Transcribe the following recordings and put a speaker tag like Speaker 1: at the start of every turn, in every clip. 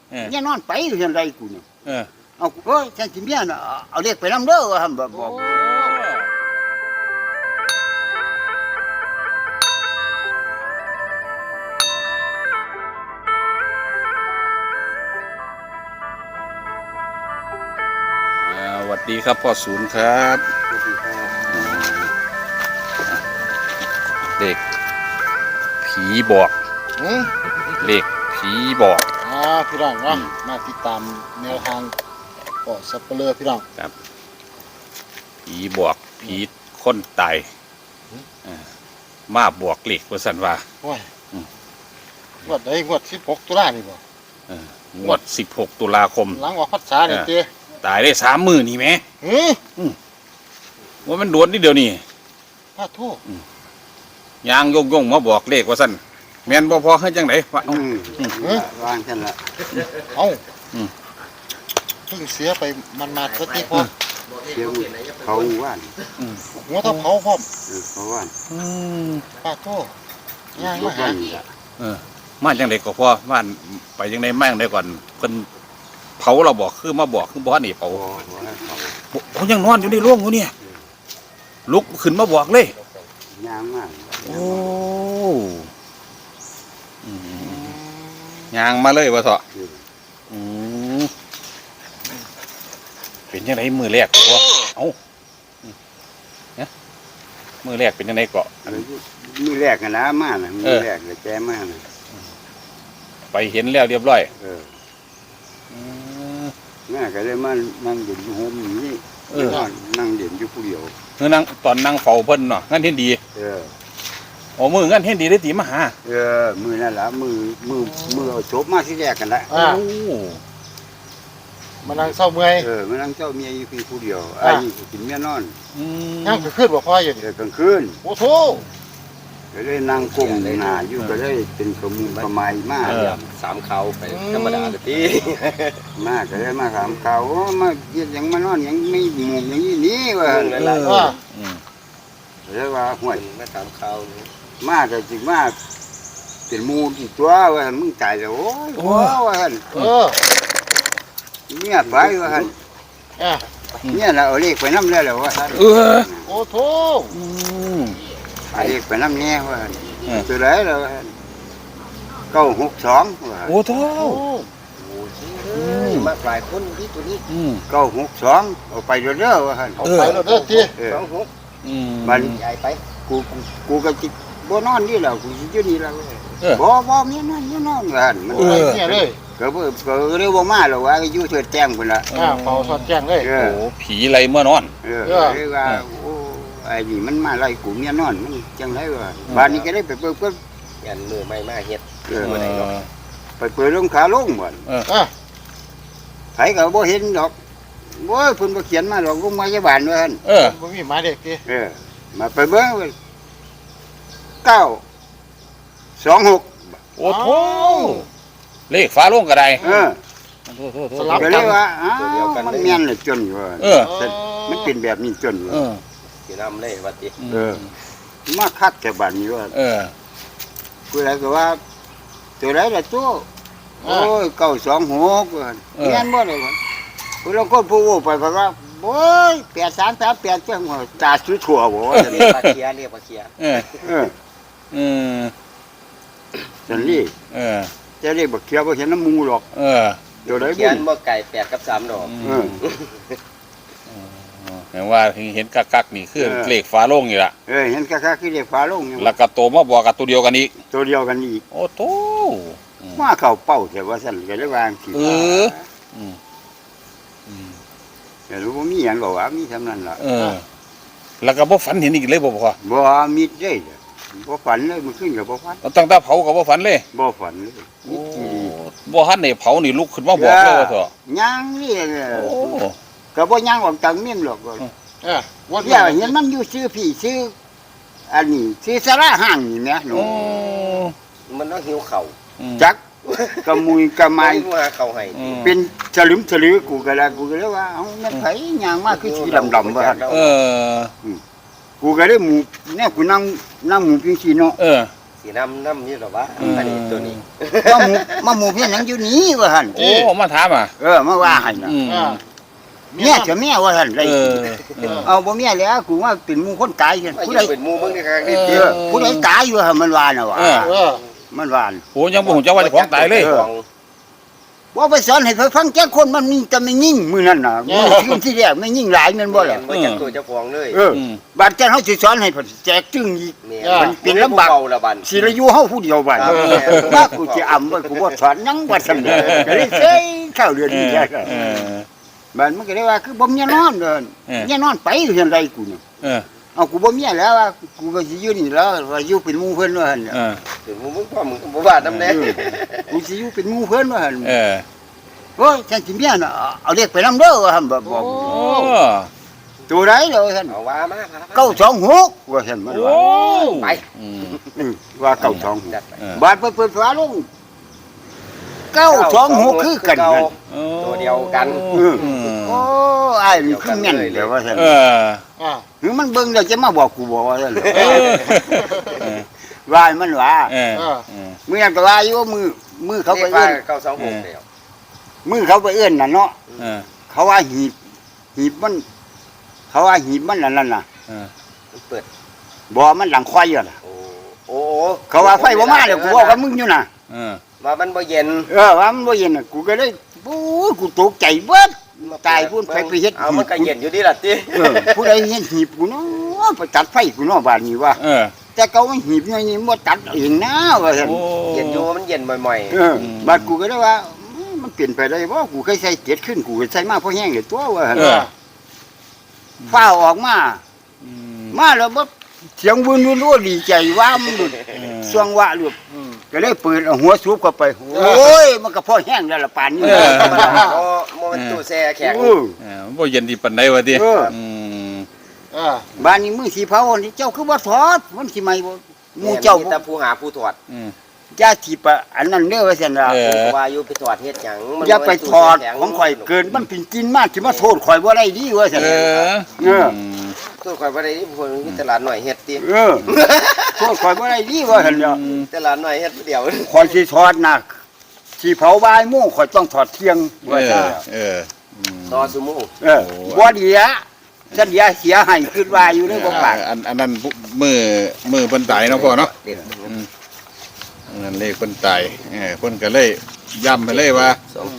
Speaker 1: เนี่ยนอนไปอยู่จังไดกูเนี่ย
Speaker 2: เอา
Speaker 1: ฉันสิเมียน่ะเอาเลขไปนำเด้อว่าหั่นบอก
Speaker 2: สวัสดีครับพ่อศูนย์ครับเด็กผีบอกเลขผีบอก
Speaker 3: พี่น้องนะมาติดตามแนวทางก็สับเปลือพี่น้อง
Speaker 2: ครับผีบอกผีคนตายมาบวกเลขว่าสันว่า
Speaker 3: งวดใดงวด16ตุลานี่บ่
Speaker 2: งวด16ตุลาคม
Speaker 3: หลังออกพรรษาเนี่ยเต้
Speaker 2: ตายได้3 มื้อนี่แหมว่ามันโดนนิดเดียวนี่
Speaker 3: พระโทษ
Speaker 2: ยางยงมาบอกเลขว่าสันแม่นบ่พอเฮ็ดจังได๋วะ
Speaker 1: วางซั่นล่ะ
Speaker 3: เอ้าเพิ่งเสียไปมันมาสักทีพอ
Speaker 1: เสียเขาว่าน
Speaker 3: หัวเท่าเขาพร้อม
Speaker 1: เขาว่าน
Speaker 3: พระโทษย่างมาหา
Speaker 2: มาจังได๋ก็พอบ้านไปจังได๋มาจังได๋ก่อนเพิ่นเผาเราบอกคือมาบอกคือบ่นี่เผาเขายังนอนอยู่ในโรงอยู่เนี่ยลุกขึ้นมาบอกเลย
Speaker 1: ยางมาก
Speaker 2: โอ้ยางมาเลยว่าเถอะเป็นยังไงมือแรกวะเอ้าเนี่ยมือแรกเป็นยังไงเกาะ
Speaker 1: มือแรกกันนะมาน่ะมือแรกเลยแกมาน่ะ
Speaker 2: ไปเห็นแล้วเรียบร้อย
Speaker 1: แม่ก็เลยมานั่งเด่นอยู่โฮมนี่นั่งเด่นอยู่ผู้เดียว
Speaker 2: นั่งตอนนั่งเฝ้าเพิ่นเนาะงั้นเห็นดีโอ้มืองั้นเห็นดีได้ตีมาหา
Speaker 1: มือนั่นแหละมือเอาจบมาที่แรกกันละ
Speaker 3: มานั่งเศร้าเมื่อย
Speaker 1: มานั่งเศร้าเมียอยู่เพียงผู้เดียวไอ้กินเมียนอน
Speaker 3: นั่งขึ้นบอกพ่ออยู่
Speaker 1: กลางคืน
Speaker 3: โอ้โห
Speaker 1: ก็เลยนั่งก้มหน้าอยู่ก็เลยเป็นขมุนขมายมาก
Speaker 4: 3เขาไปธรรมดาเลยพี่
Speaker 1: มากก็เลยมาถามเขามาเย็นยังมานอนยังไม่หมุมอย่างนี้นี่ว่าเลยว่าห่วย
Speaker 4: มาถามเขา
Speaker 1: มากก็จริงมากเป็นมูลอีกตัวว่ามึงตายแล้วโอ้ยว่าเนี่ยไปว่าเนี่ยเราเอาเลขไปน้ำได้แล้วว่า
Speaker 3: โอ้โห
Speaker 1: เอาเลขไปน้ำเนี่ยว่าตัวไหนเรา962ว่า
Speaker 2: โอ้โห
Speaker 4: มาหลายคนที่ตัวนี้
Speaker 1: 962เอาไปเรื่อยๆว่า
Speaker 3: เอาไปเรื่อยๆที่
Speaker 1: มัน
Speaker 4: ใหญ่ไป
Speaker 1: กูก็จิบ่นอนนี่แหละกูอยู่นี่แล้วบ่มีนอนว่า
Speaker 3: มันเนี่ยเลย
Speaker 1: ก็เรียกว่ามาแล้วว่าอยู่เถิดแจ้งพุ่นล่ะ
Speaker 3: เป่าสอดแจ้งเลย
Speaker 2: โอ้ผีอะไรเมื่อนอน
Speaker 1: เรียกว่าโอ้ไอ้นี่มันมาไล่กูเมียนอนมันจังไดวะบ้านนี้ก็ได้ไปเปิด
Speaker 4: ยันมือไม่มาเฮ็ด
Speaker 1: ไปเปิดลงขาลงบ่ไผก็บ่เห็นดอกโอ้ยเพิ่นบ่เขียนมาดอกลงมาจากบ้านว่าหั่น
Speaker 3: บ่มีหมายเด็กติ
Speaker 1: มาไปเบิ่ง926
Speaker 2: โอ้โหเลขฟ้าลงก็ได้
Speaker 3: สลับ
Speaker 1: กันเลยว่ามันแม่นเลยจนอยู่มันเป็นแบบนี้จนอยู่
Speaker 4: สินำเลยว่าติ
Speaker 1: มาคักแต่บ้านนี้ว่าผู้ใดก็ว่าตัวไหนล่ะตัวโอ้ย926แม่นบ่ได้ว่าผู้ลางคนผู้ไปว่าโอ้ย8338จังว่าตาสุดทั่วบ่
Speaker 4: เรียกปลาเคีย
Speaker 1: จังนี้จะเรียกบักเขียวบ่เห็นน้ำมูหรอก
Speaker 4: เดี๋ยวได้เขียนบ่ไก่8กับ3ดอก
Speaker 2: เห็นว่าเห็นกักๆนี่คือเลขฟ้าลงนี่ล่ะ
Speaker 1: เห็นกักๆคือเลขฟ้าลง
Speaker 2: แล้วก็โตมาบอกกับตัวเดียวกันอีกโอ้โต
Speaker 1: มาเข้าเป้าแต่ว่าซั่นก็ได้วางสิแต่รู้บ่มีหยังก็ว่ามีเท่านั้นล่ะ
Speaker 2: แล้วก็บ่ฝันเห็นอีกเลยบ่พ่อ
Speaker 1: บ่มีเด้บ่ฝันเลยมันขึ้นก็บ่ฝัน
Speaker 2: ตั้งแต่เผาก็บ่ฝันเลย
Speaker 1: บ่ฝันเลย
Speaker 2: บ่ทันได้เผานี่ลุกขึ้นมาบอกเลยว่าเถอะ
Speaker 1: ยังนี่ก็บ่ยังออกจากเมียนหรอกว่าเห็นมันอยู่ซื้อพี่ซื้ออันนี้ซื้อสาราห้างนี่แหมหนู
Speaker 4: มันต้องหิวเข่า
Speaker 1: จักกะมุยกะไม้
Speaker 4: เข่าให้
Speaker 1: เป็นฉลึมฉลือกูก็เลยว่าเอ้ามันไผย่างมาคือสีดำๆว่า
Speaker 2: กู
Speaker 1: ก็ได้หมู่แน่กูนั่งหมู่จังซี่เนาะ
Speaker 4: สีสิน้ำนี่หรอวะอันนี้ตัวนี้
Speaker 1: มาหมู่เพี้ยนหยังอยู่นี่ว่าหั่น
Speaker 2: โอ้มาถามอ่ะ
Speaker 1: มาว่าให้น่ะ
Speaker 2: อืม
Speaker 3: อ่า
Speaker 1: เมียจะแม่ว่าหั่นได้
Speaker 2: เออเออ
Speaker 1: เอาบ่เมียแล้วกูว่าเป็นหมู่คนตายกัน
Speaker 4: ว่า
Speaker 1: ผู้
Speaker 4: อ
Speaker 1: ใด
Speaker 4: ยู่เป็นหมู่เบิ่งในครั้งนี้
Speaker 1: เออผู้ใดตายอยู่หั่นมันว่าน่ะว่า
Speaker 2: เออ
Speaker 3: เออ
Speaker 1: มันว่าน่ะ
Speaker 2: โอ้ยังบ่ฮู้จักว่าเจ้าของตายเลย
Speaker 4: ของ
Speaker 1: ว่าไปสอนให้เพิ่นฟังแก่คนมันมีแต่ไม่ยิ่งมื้อนั้นน่ะมื้อคืนที่แรกไม่ยิ่งหลายแม่นบ่ล่ะ
Speaker 4: บ่จักตัวเจ้าของเลย
Speaker 1: เออบัดเจ้าเฮาสิสอนให้เพิ่นแจกจึงอีก
Speaker 4: เนี่ย
Speaker 1: มันเป็นลำบาก
Speaker 4: เบาละบัน
Speaker 1: สิละอยู่เฮาผู้เดียวบัด
Speaker 4: ครับ
Speaker 1: ว่ากูสิอำว่ากูบ่สอนหยังว่าซั่นน่ะก็เลยเซ้ยเข้าเรือน
Speaker 2: เอ
Speaker 1: นี่
Speaker 2: อ
Speaker 1: แท้
Speaker 2: เออ
Speaker 1: บัดมันก็เลยว่าคือบ่มีนอนเด้อ
Speaker 2: เออ
Speaker 1: เมียนอนไปอยู่จังไดกูนี่
Speaker 2: เออ
Speaker 1: เอากูบ่มีแล้วว่ากูก็สิอยู่นี่แล้วว่าอยู่เป็นหมู่เพิ่นว่าหั่นน่ะ
Speaker 2: เออ
Speaker 4: ถึงหมู่มึงพ่อมึงก็บ่ว่านํแน่
Speaker 1: กูสิอยู่เป็นหมู่เพิ่นว่าหั่น
Speaker 2: เออ
Speaker 1: โอ้ยฉันสิเมียน่ะเอาเรียกไปนำเด้อว่าหั่นบอก
Speaker 2: โอ้
Speaker 1: ตัวใดเด้อว่าซั่น
Speaker 4: เอาว่ามาครับ
Speaker 1: 926ว่าซั่นมัน
Speaker 2: โอ้
Speaker 1: ว่า
Speaker 4: ไป
Speaker 2: อืม
Speaker 1: ว่า
Speaker 4: จัด
Speaker 1: 926
Speaker 4: ไป
Speaker 2: เออบ
Speaker 1: าดเปิดฝาลง926คือกันนั่น
Speaker 4: ตัวเดียวกัน
Speaker 2: อืม
Speaker 1: โอ้อ้ายนี่คือแม่นเด้อว่าซั่น
Speaker 2: เออ
Speaker 3: อ่า
Speaker 1: หรือมันเบิ่งแล้วจะมาบอกกูบ่ว่าซั่น
Speaker 2: เออเออ
Speaker 1: ว่าให้มันว่า
Speaker 2: เออเออ
Speaker 1: มื้อนั้นก็ว่าอยู่ว่ามือเขาไป
Speaker 4: เขาไป
Speaker 1: เอื้อน
Speaker 4: 926แล้ว
Speaker 1: มือเขาไปเอื้อนน่ะเนาะ
Speaker 2: เออ
Speaker 1: เขาว่าหีบมัน เขาว่าหีบมันนั่นน่ะ
Speaker 2: เออ
Speaker 4: มันเปิด
Speaker 1: บ่มันหลังควายอยู่น่ะ
Speaker 4: โอ้โอ้
Speaker 1: เขาว่าไฟบ่มาแล้วกูเว้ากับมึงอยู่น่ะ
Speaker 2: เออ
Speaker 4: ว่ามันบ่เย็น
Speaker 1: ว่ามันบ่เย็นน่ะกูก็เลยปู๊กูตกใจเบิดตายพุ่นไปเฮ็ด
Speaker 4: เอามันก็เย็นอยู่ดีล่ะติ
Speaker 1: ผู้ใดเฮ็ดหีบกูเนาะไปตัดไฟกูเนาะบาดนี้ว่า
Speaker 2: เออ
Speaker 1: แต่เขาว่าหีบนี่บ่ตัดเองนะว่าซั่น
Speaker 2: โอ้
Speaker 4: เย็นอยู่มันเย็นบ่อย
Speaker 1: บาดกูก็เลยว่ามันเปลี่ยนไปได้บ่กูเคยใส่เจ็ดขึ้นกูก็ใส่มาพอแห้งเลยตัวว่า
Speaker 2: เออ
Speaker 1: ฟ้าออกมา
Speaker 2: อืม
Speaker 1: มาแล้วบ่เสียงวุ่นรู้ดีใจว่ามันหลุด
Speaker 2: เออ
Speaker 1: สวงว่าหลุด
Speaker 3: อืม
Speaker 1: ก็เลยเปิดเอาหัวสูบเข้าไปโอ้ยมันก็พอแห้งแล้วล่ะปานนี้
Speaker 2: เออ
Speaker 4: ๆโอ้โมมันตู้แช่แข็ง
Speaker 1: เออ
Speaker 2: เออบ่เย็นดีปานใดวะติ
Speaker 1: เออ
Speaker 2: อืม
Speaker 3: อ่า
Speaker 1: บ้านนี้มือสีเผานี่เจ้าคือบ่ถอดมันสิใหม่บ่หมู่เจ้า
Speaker 4: มีแต่ผู้หาผู้ถอด
Speaker 2: อืม
Speaker 1: อย่าสิปะอันนั้นเด้อว่าซั่นล่ะ
Speaker 2: เออ
Speaker 4: ว่าอยู่ไปถอดเฮ็ดหยังมัน
Speaker 1: อย่าไปถอด
Speaker 4: ตู้แช่แข็
Speaker 1: ของข่อยเกินมันเป็นกินมากสิมาโทษข่อยบ่ได้ดีว่าซั่น
Speaker 2: เออ
Speaker 1: เออ
Speaker 4: ตู้ข่อยบ่ได้ที่เพิ่นมีตลาดหน่อยเฮ็ดติ
Speaker 1: เออโทษข่อยบ่ได้ดีว่าซั่นเนาะ
Speaker 4: ตลาดหน่อยเฮ็ดผู้เดียว
Speaker 1: ข่อยสิถอดน่ะสิเผาบ่ายโมงข่อยต้องถอดเที่ยง
Speaker 2: เอ
Speaker 1: ว่า
Speaker 2: อ
Speaker 1: ซั่น
Speaker 2: เอออืม
Speaker 4: ต่อซุมื้อ
Speaker 1: เออบ่ดีอะฉันเสียให้คิดว่าอยู่ในบ่ปาก
Speaker 2: อันนั้นมือเพิ่นตายเนาะพ่อเนาะ
Speaker 4: เด็ด
Speaker 2: อันนั้นเลขเพิ่นตายเพิ่นก็เลยย้ำไปเลยว่า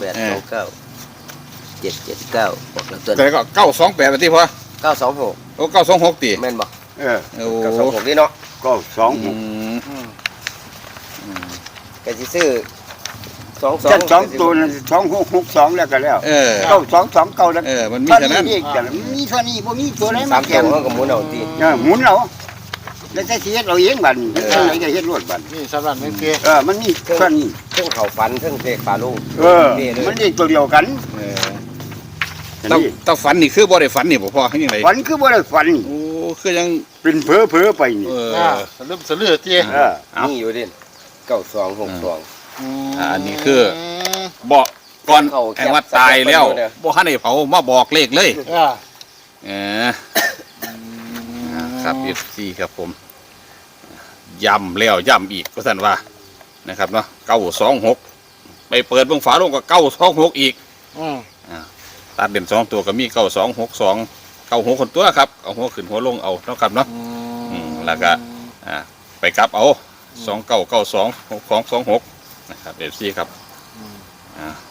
Speaker 4: 2829 779บอกแล้วตัว
Speaker 2: แต่ก็928ว่าติพ่อ
Speaker 4: 926
Speaker 2: โอ้926ติ
Speaker 4: แม่นบ่
Speaker 1: เออ
Speaker 2: โอ้
Speaker 4: 926นี่เนาะ
Speaker 1: ก็สอง
Speaker 2: อืม
Speaker 4: ก็สิซื้อ
Speaker 1: ฉันสองตัวนั้น2662แล้วก็แล้ว
Speaker 2: เออ
Speaker 1: เก้า229แล้ว
Speaker 2: มันมี
Speaker 1: เท่า
Speaker 2: เท่า
Speaker 1: นี้
Speaker 2: นั้น
Speaker 1: เองจ้ะมีเท่านี้บ่มีตัวไหน
Speaker 4: สา
Speaker 1: มา
Speaker 4: ม
Speaker 1: แข่
Speaker 4: ตัว
Speaker 1: ง
Speaker 4: เฮาก็หมุนเอาติ
Speaker 1: หมุนเอาแล้วแต่สิเฮ็ดเอาเองบัดนี้เท่าไหนก็เฮ็ดรวดบัด
Speaker 3: นี่สำหรับนักเรียน
Speaker 1: มันมีเท่านี้
Speaker 4: เพิ่งเข้าฝันเพิ่งเลขฝาลูก
Speaker 1: มันเรียกตัวเดียวกัน
Speaker 2: เออต้องฝันนี่คือบ่ได้ฝันนี่บ่พ่อคือจังได๋
Speaker 1: ฝันคือบ่ได้ฝัน
Speaker 2: โอ้คือยัง
Speaker 1: เป็นเพ้อๆไปนี่
Speaker 2: เออ
Speaker 3: อ่าสลืมสลือเตี้ย
Speaker 2: เอา
Speaker 4: นี่อยู่ดิ9262
Speaker 2: อันนี้คือบอกก่อนแห่งว่าตายแล้วบ่ทันได้เผามาบอกเลขเลย
Speaker 3: อ่า
Speaker 2: เออครับ FC ครับผมย้ำแล้วย้ำอีกก็สั่นว่านะครับเนาะ926ไปเปิดเบิ่งฝาโลงก็926อีก
Speaker 3: อืม
Speaker 2: ตัดเด่น2ตัวก็มี9262 96คนตัวครับเอาหัวขึ้นหัวลงเอาเนาะครับเนาะแล้วก็ไปกลับเอา2992 6226นะครับ FC ครับ